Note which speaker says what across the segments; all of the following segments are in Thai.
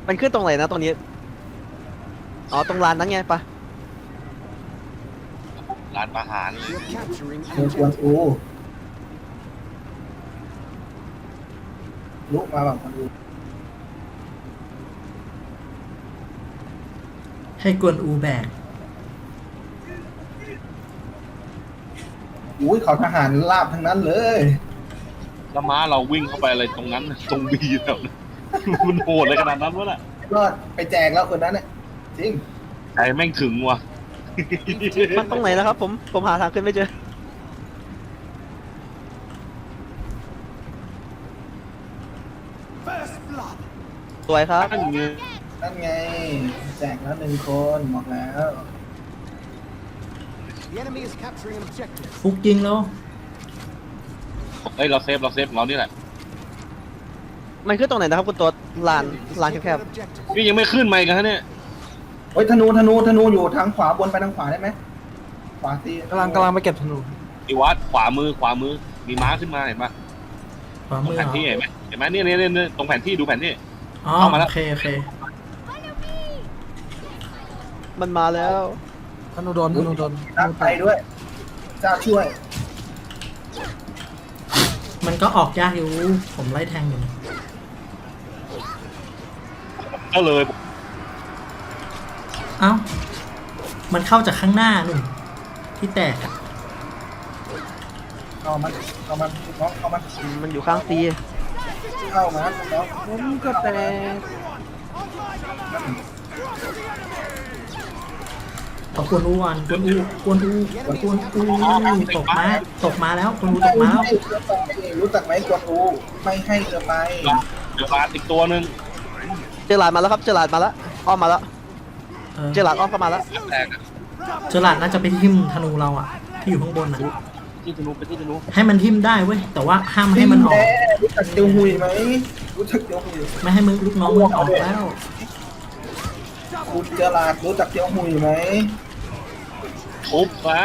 Speaker 1: มันขึ้นตรงไหนนะตรงนี้อ๋อตรงลานนั้นไงปะ
Speaker 2: ร้านอาหารเลย
Speaker 3: You're capturing
Speaker 4: เมืองกวนอูลุกมาแบบกวนอู
Speaker 5: ให้กวนอูแบก
Speaker 4: อุ้ยเขาทหารลาบทั้งนั้นเลย
Speaker 2: แล้วม้าเราวิ่งเข้าไปอะไรตรงนั้นตรงบีแถวนั้นมันโหดเลยขนาดนั้นวะน่ะ
Speaker 4: รอดไปแจกแล้วคนนั้นเนี่ยจริง
Speaker 2: ใจแม่งถึงว่ะ
Speaker 1: มันตรงไหนแล้วครับผมหาทางขึ้นไม่เจอ
Speaker 3: first blood.
Speaker 1: สวยครับ
Speaker 2: ตั้งเงี้ย
Speaker 4: นั่นไง แจกแล้ว1 คนบอกแล้ว
Speaker 3: The enemy is capturing an objective.
Speaker 5: ฟุกยิงแล้ว
Speaker 2: เอ้ยเราเซฟเรานี่แหละ
Speaker 1: มันขึ้นตรงไหนนะครับคุณตัวลาน
Speaker 3: Enemy is
Speaker 1: ลาน
Speaker 3: taking
Speaker 1: แคบ
Speaker 3: an objective.
Speaker 2: นี่ยังไม่ขึ้นมาอีกันฮะเนี่ย
Speaker 4: เฮ้ยธนูอยู่ทางขวาบนไปทางขวาได้ไหมขวาตี
Speaker 6: กำลังไปเก็บธนู
Speaker 2: อีวัดขวามือมีม้าขึ้นมาเห็นปะ
Speaker 5: ขวา
Speaker 2: ตร
Speaker 5: มื
Speaker 2: ง
Speaker 5: อ
Speaker 2: แผนที่
Speaker 5: เหรอ
Speaker 2: เห็นไหมเนี่ยตรงแผนที่ดูแผนที่
Speaker 5: อ๋อ
Speaker 2: เข้ามาแล้ว
Speaker 5: โอเค
Speaker 1: ๆมันมาแล้ว
Speaker 6: ธนูโดน
Speaker 4: ตั้งใจด้วยเจ้าช่วย
Speaker 5: มันก็ออกยากอยู่ ผมไล่แทงอยู่
Speaker 2: ก็เลย
Speaker 5: เอ้า มันเข้าจากข้างหน้านู่นที่แตกอะ
Speaker 4: เข้ามันน้องเข้ามัน
Speaker 1: มันอยู่ข้างซี
Speaker 4: เข้ามันน้อง
Speaker 1: ผมก็แตก
Speaker 5: เอากวนอูวันกวนอูตกมาแล้วกวนอูตกมาแล้ว
Speaker 4: ไม่ให้เรือไปรู้จักไหมกวนอูไม่ให้เรือไป
Speaker 2: เดี๋ยวมาอีกตัวหนึ่ง
Speaker 1: เจอหลาดมาแล้วครับเจอหลาดมาแล้วอ้อมมาแล้ว
Speaker 5: เออ
Speaker 1: เจอหลาดอ้อมเข้ามาแล้ว
Speaker 2: แตกอะ
Speaker 5: เจอหลาดน่าจะไปทิ่มธนูเราอะที่อยู่ข้างบนอะ
Speaker 2: ที่ธนูไปที่ธนู
Speaker 5: ให้มันทิ่มได้เว้ย แต่ว่าห้ามให้มันออก
Speaker 4: รู้จักเตียวหุยไหมรู้จักเตียวหุย
Speaker 5: ไม่ให้มึงลูกน้องมึงออกแล้ว
Speaker 4: คุณเจอลาดรู้จักเตียวหุยไหม
Speaker 2: ทุบซะ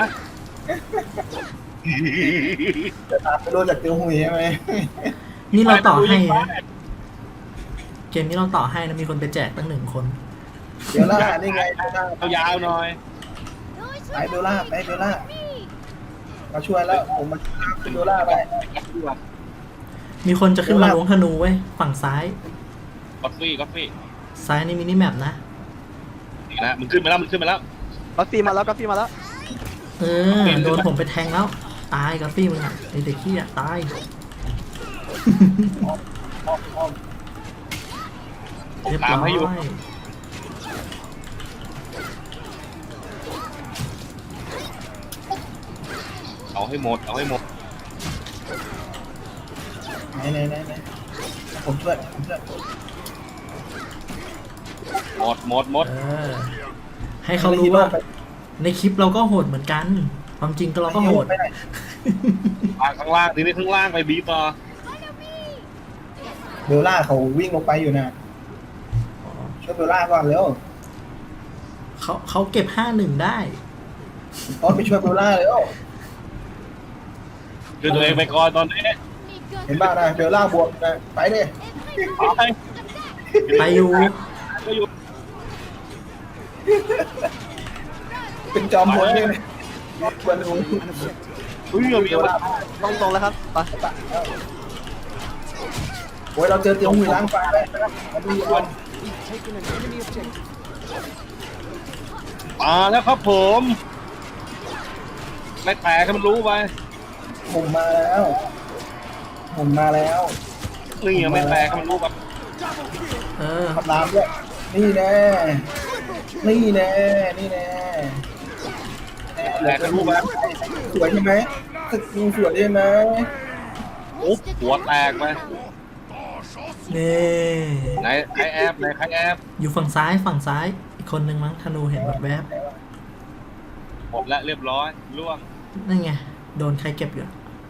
Speaker 4: เจอลาดไม่รู้จักเตียวหุยใช่ไหม
Speaker 5: นี่เราต่อให้นะ เกมนี้เราต่อให้นะ มีคนไปแจกตั้ง1 คน
Speaker 4: เดี๋ยวล่านี่ไงเบลล่า
Speaker 2: เอายาวหน่อย
Speaker 4: ไปเบลล่ามาช่วยแล้วผมมาช่วยเบลล่าไป
Speaker 5: มีคนจะขึ้นมาล้วงธนูเว้ย ฝั่งซ้าย
Speaker 2: กาแฟ
Speaker 5: ซ้ายนี่มินิแมปนะ
Speaker 2: นี่นะมันขึ้นมาแล้ว
Speaker 1: กาแฟมาแล้วกาแฟมาแล้ว
Speaker 5: เออ โดนผมไปแทงแล้ว ตายกาฟี่มึงอ่ะไอเด็กขี้อ่ะ ตาย
Speaker 2: ผม
Speaker 5: เรียบ
Speaker 2: ตาม
Speaker 5: ร้อ
Speaker 2: ให้อยู่
Speaker 5: ย
Speaker 2: เอาให้หมด
Speaker 4: ไหนผมช่วย
Speaker 2: หมด
Speaker 5: เออ ให้เขารู้ว่า ในคลิปเราก็โหดเหมือนกัน ความจริงก็เราก็โหด
Speaker 2: มาข้างล่างทีนี้ข้างล่างไปบีต่อ
Speaker 4: เบลล่าเขาวิ่งลงไปอยู่นะช่วยเบลล่าก่อนเร็ว
Speaker 5: เขาเก็บ5-1ได้
Speaker 4: ต้นไปช่วยเบลล่าเร็ว
Speaker 2: คือตัวเองไปก่อนตอนนี้
Speaker 4: เห็นบ้างนะเบลล่าบวกนะไปดิ
Speaker 2: ไป
Speaker 5: ไปอยู่
Speaker 2: ก็อยู่
Speaker 4: เป็นจอมพลนี่เลยกวนอู
Speaker 3: An objective.
Speaker 2: เฮ้ยมีอะไร
Speaker 1: ตรงแล้วครับไป
Speaker 4: โอ้ยเราเจอเตียวหุยล้างฟ้าได้นะครับมาดูก่อน
Speaker 3: We've taken an enemy objective.
Speaker 2: มาแล้วครับผมไม่แตกให้มันรู้ไป
Speaker 4: ผมมาแล้ว
Speaker 2: นี่ยังไม่แตกให้มันรู้ไป
Speaker 5: เออ
Speaker 4: ขับน้ำด้วยนี่แน่
Speaker 2: แตกให้รู้ไป
Speaker 4: สวยใช่ไหมสกิลสวยใช่ไหม
Speaker 2: อุ๊บหัวแตกไป
Speaker 5: นี่
Speaker 2: ไหนใครแอบ
Speaker 5: อยู่ฝั่งซ้ายอีกคนนึงมั้งธนูเห็นแบบแวบ
Speaker 2: หมดแล้วเรียบร้อยล่วง
Speaker 5: นั่นไง โดนใครเก็บอยู่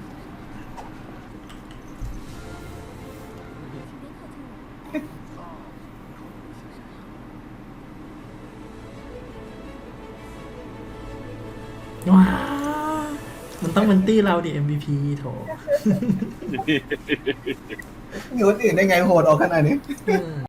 Speaker 5: ว้ามันต้องเป็นตี้เราดิ MVP โถ
Speaker 4: มีคนอื่นได้ไงโหดออกขนาดนี้